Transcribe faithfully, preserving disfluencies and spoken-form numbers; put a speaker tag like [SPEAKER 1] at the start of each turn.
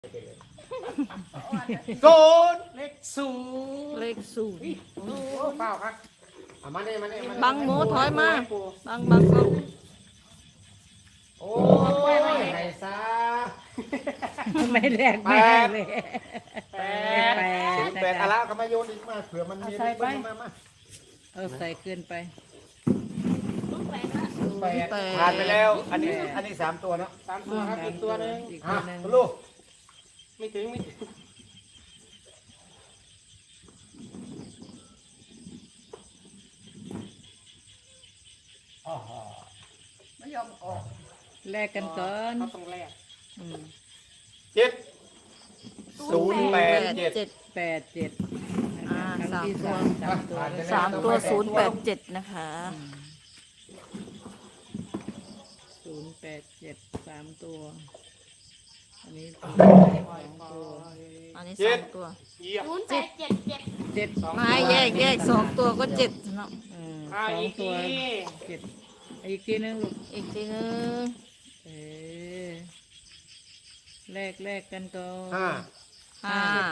[SPEAKER 1] โกนเลขศูนย์
[SPEAKER 2] เลขศูนย์
[SPEAKER 1] โอ้เปล่าครับเอามาเนี่ยมาเนี่ยมาเนี่ย
[SPEAKER 2] บังหมูถอยมาบังบังก็
[SPEAKER 1] โอ้ยไหนซะ
[SPEAKER 3] ไม่แรกไม่ให้เลย
[SPEAKER 1] แปด
[SPEAKER 3] แปด
[SPEAKER 1] ศูนย์แปดอะไรก็มาโยนอีกมาเผื่อมันมีมามา
[SPEAKER 3] เออใส่เกินไป
[SPEAKER 1] แปดผ่านไปแล้ว อันนี้อันนี้สามตัวเนาะ
[SPEAKER 4] สามตัวครับอีกตัวหนึ่ง
[SPEAKER 3] อีก
[SPEAKER 1] อ่ะ
[SPEAKER 3] ตัวหนึ่ง
[SPEAKER 1] ลูก
[SPEAKER 4] ไม่ถึงไม่ถึง
[SPEAKER 1] อ๋อ
[SPEAKER 4] ไม่ยอมออก
[SPEAKER 3] แลกกันก่อน
[SPEAKER 4] เขาต้องแลก
[SPEAKER 3] อืม
[SPEAKER 1] เจ็ดศูนย์แปดเจ็ด
[SPEAKER 2] เจ็ด
[SPEAKER 3] แปดเจ็ด
[SPEAKER 2] อ่า
[SPEAKER 3] ครั้งที่
[SPEAKER 2] สามตัว
[SPEAKER 3] สามสามตัว
[SPEAKER 1] ผ่านไปแล้ว
[SPEAKER 2] สามตัวศูนย์แปดเจ็ดนะคะ
[SPEAKER 3] ศูนย์แปดเจ็ดสามตัว อันนี้สอง ตัว
[SPEAKER 2] อันนี้สามตัว
[SPEAKER 4] เยี่ยม
[SPEAKER 5] ศูนย์แปดเจ็ดเจ็ด
[SPEAKER 3] เจ็ด
[SPEAKER 2] ไม่แยกแยกสองตัวก็เจ็ดเนาะ
[SPEAKER 3] เออ
[SPEAKER 4] อ่า
[SPEAKER 3] สอง
[SPEAKER 4] อีก
[SPEAKER 3] ตั
[SPEAKER 4] ที
[SPEAKER 3] วเจ็ดอีกทีนึงลูก
[SPEAKER 2] อีกทีนึง
[SPEAKER 3] เออแลกแลกกันก่อน
[SPEAKER 1] ห้า
[SPEAKER 2] ห้า